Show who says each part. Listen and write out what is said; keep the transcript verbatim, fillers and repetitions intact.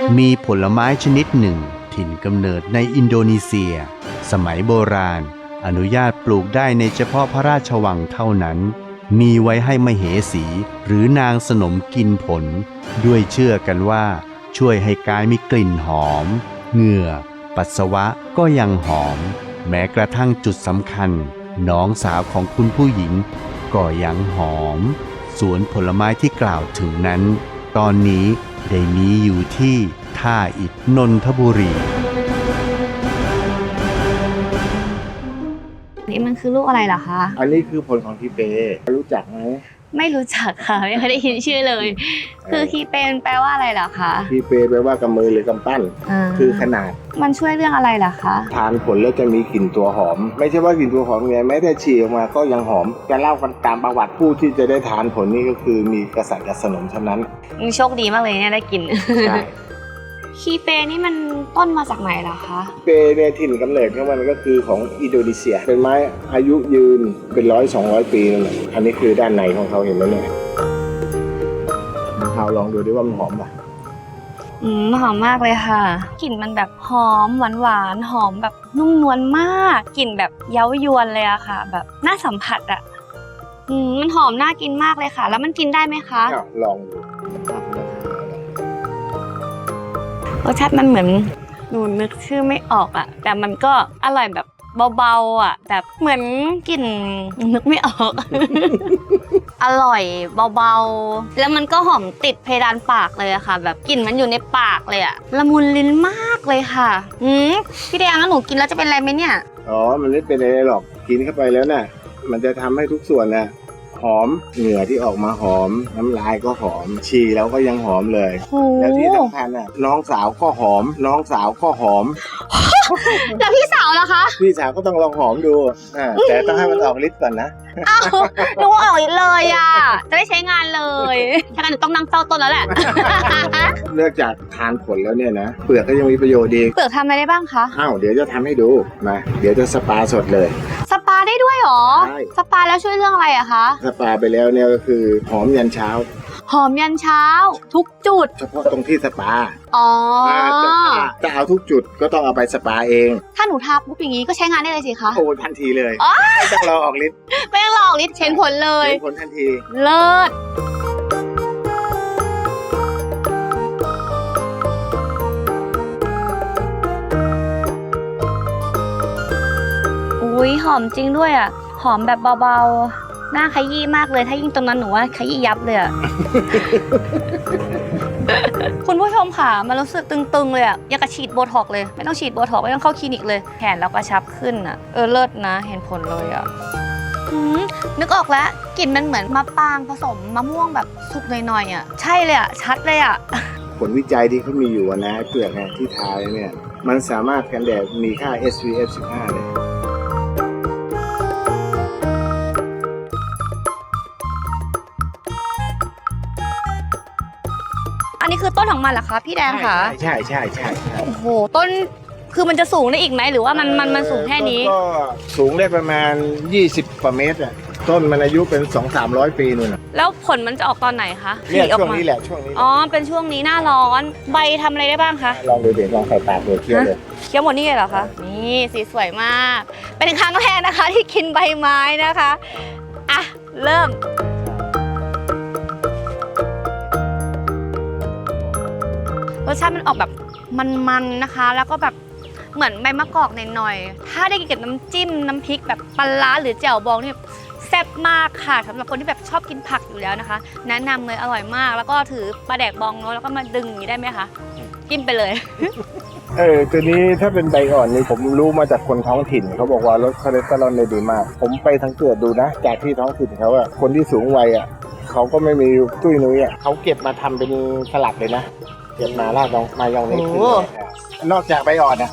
Speaker 1: มีผลไม้ชนิดหนึ่งถิ่นกำเนิดในอินโดนีเซียสมัยโบราณอนุญาตปลูกได้ในเฉพาะพระราชวังเท่านั้นมีไว้ให้มเหสีหรือนางสนมกินผลด้วยเชื่อกันว่าช่วยให้กายมีกลิ่นหอมเหงื่อปัสสาวะก็ยังหอมแม้กระทั่งจุดสำคัญน้องสาวของคุณผู้หญิงก็ยังหอมสวนผลไม้ที่กล่าวถึงนั้นตอนนี้ได้มีอยู่ที่ท่าอิฐนนทบุรี
Speaker 2: นี่มันคือลูกอะไรเหรอคะ
Speaker 3: อันนี้คือผลของทีเปรู้จักไหม
Speaker 2: ไม่รู้จักค่ะไม่เคยได้ยินชื่อเลยคือคีเปนแปลว่าอะไรเหรอคะ
Speaker 3: ทีเปแปลว่ากำมือหรือกำปั้นคือขนาด
Speaker 2: มันช่วยเรื่องอะไรเหรอคะ
Speaker 3: ทานผลแล้วจะมีกลิ่นตัวหอมไม่ใช่ว่ากลิ่นตัวหอมไงแม้แต่ฉี่ออกมาก็ยังหอมจะเล่ากันตามประวัติผู้ที่จะได้ทานผลนี้ก็คือมีกษัตริย์กับสนมเท่านั้น
Speaker 2: โชคดีมากเลยเนี่ยได้กินใช่คีเปนี่มันต้นมาจากไหนเหรอคะ
Speaker 3: เปเนี่ยถิ่นกำเนิดของมันก็คือของอินโดนีเซียเป็นไม้อายุยืนเป็นร้อยสองร้อยปีนั่นแหละอันนี้คือด้านในของเขาเห็นไหมเนี่ยเราลองดูดิว่ามันหอมป่ะ
Speaker 2: อืมหอมมากเลยค่ะกลิ่นมันแบบหอมหวานหวานหอมแบบนุ่มนวลมากกลิ่นแบบเย้ายวนเลยอะค่ะแบบน่าสัมผัสอะอืมมันหอมน่ากินมากเลยค่ะแล้วมันกินได้ไหมคะ
Speaker 3: ลองดู
Speaker 2: รสชาติมันเหมือนหนูนึกชื่อไม่ออกอะแต่มันก็อร่อยแบบเบาๆอะแบบเหมือนกลิ่นนึกไม่ออก อร่อยเบาๆแล้วมันก็หอมติดเพดานปากเลยอะค่ะแบบกลิ่นมันอยู่ในปากเลยอะละมุนลิ้นมากเลยค่ะอืมพี่แดงงั้นหนูกินแล้วจะเป็นอะไรไหมเนี่ย
Speaker 3: อ๋อมันไม่เป็นอะไรหรอกกินเข้าไปแล้วน่ะมันจะทำให้ทุกส่วนน่ะหอมเหงื่อที่ออกมาหอมน้ำลายก็หอมฉี่แล้วก็ยังหอมเลยแล้วที่สำคัญน่ะน้องสาวก็หอมน้องสาวก็หอม
Speaker 2: แล้วพี่สาวล่ะคะ
Speaker 3: พี่สาวก็ต้องลองหอมดูอ่าแต่ต้องให้มันออกฤทธิ์ก่อนนะ
Speaker 2: อ้าวหนูออกฤทธิ์เลยอ่ะจะได้ใช้งานเลยถ้างั้นหนูต้องนั่งเฝ้าต้นแล้วแหละ
Speaker 3: เนื่องจากทานผลแล้วเนี่ยนะเปลือกก็ยังมีประโยชน์ดี
Speaker 2: เปลือกทำอะไรได้บ้างคะ
Speaker 3: อ้าวเดี๋ยวจะทำให้ดูมาเดี๋ยวจะสปาสดเลย
Speaker 2: สปาได้ด้วยหรอใช่สปาแล้วช่วยเรื่องอะไรอะคะ
Speaker 3: สปาไปแล้วเนี่ยก็คือหอมยันเช้า
Speaker 2: หอมยันเช้าทุกจุด
Speaker 3: เฉพาะตรงที่สปา
Speaker 2: อ๋อ
Speaker 3: จะเอาทุกจุดก็ต้องเอาไปสปาเอง
Speaker 2: ถ้าหนูทาปุ๊บอย่างนี้ก็ใช้งานได้เลยสิคะ
Speaker 3: โอ้ทันทีเลยไม่ต้องรอออกฤทธิ์
Speaker 2: ไม่ต้องรอออกฤทธิ์เห็นผลเลย
Speaker 3: เห็นผลทันที
Speaker 2: เลิศอุ้ยหอมจริงด้วยอ่ะหอมแบบเบาๆหน้าขยี้มากเลยถ้ายิ่งตรงนั้นหนูว่าขยี้ยับเลยอ่ะ คุณผู้ชมค่ะมันรู้สึกตึงๆเลยอ่ะอยากจะฉีดโบท็อกเลยไม่ต้องฉีดโบท็อกไม่ต้องเข้าคลินิกเลยแขนเรากระชับขึ้นอ่ะเออเลิศนะเห็นผลเลยอ่ะนึกออกแล้วกลิ่นมันเหมือนมะปรางผสมมะม่วงแบบสุกหน่อยๆอ่ะใช่เลยอ่ะชัดเลยอ่ะ
Speaker 3: ผลวิจัยที่เขามีอยู่นะเปลือกเนี่ยที่ทาเนี่ยมันสามารถกันแดดมีค่า เอส พี เอฟ สิบห้าเลย
Speaker 2: อันนี้คือต้นของมันเหรอคะพี่แดงคะ
Speaker 3: ใช่ใช่ใช่ใช่
Speaker 2: โอ้โหต้นคือมันจะสูงได้อีกไหมหรือว่ามันมันมันสูงแค่นี้
Speaker 3: ก็สูงได้ประมาณยี่สิบกว่าเมตรอ่ะต้นมันอายุเป็น สองถึงสามร้อย ปีนู่นน่ะ
Speaker 2: แล้วผลมันจะออกตอนไหนคะ
Speaker 3: เนี่ยช่วงนี้แหละช่วงนี้
Speaker 2: อ๋อเป็นช่วงนี้หน้าร้อนใบทำอะไรได้บ้างคะ
Speaker 3: ลองดูเดี๋ยวลองใส่ปากดูเคี้ยวเลย
Speaker 2: เคี้ยวหมดนี่เลยเหรอคะนี่สีสวยมากเป็นครั้งแรกนะคะที่กินใบไม้นะคะอ่ะเริ่มรสชาติมันออกแบบมันๆนะคะแล้วก็แบบเหมือนใบมะกอกหน่อยๆถ้าได้กินกับน้ำจิ้มน้ำพริกแบบปลาร้าหรือแจ่วบองนี่แซ่บมากค่ะสำหรับคนที่แบบชอบกินผักอยู่แล้วนะคะแนะนำเลยอร่อยมากแล้วก็ถือปลาแดกบองเนาะแล้วก็มาดึงอย่างนี้ได้ไหมคะกินไปเลย
Speaker 3: เออตัวนี้ถ้าเป็นใบอ่อนนี่ผมรู้มาจากคนท้องถิ่นเขาบอกว่าลดคอเลสเตอรอลได้ดีมากผมไปสังเกตดูนะจากที่ท้องถิ่นเขาอะคนที่สูงวัยอะเขาก็ไม่มีตุ้ยนุ้ยอะเขาเก็บมาทำเป็นสลัดเลยนะเก็บมาราดลงมายองเนสขึ้นนอกจากใบอ่อนนะ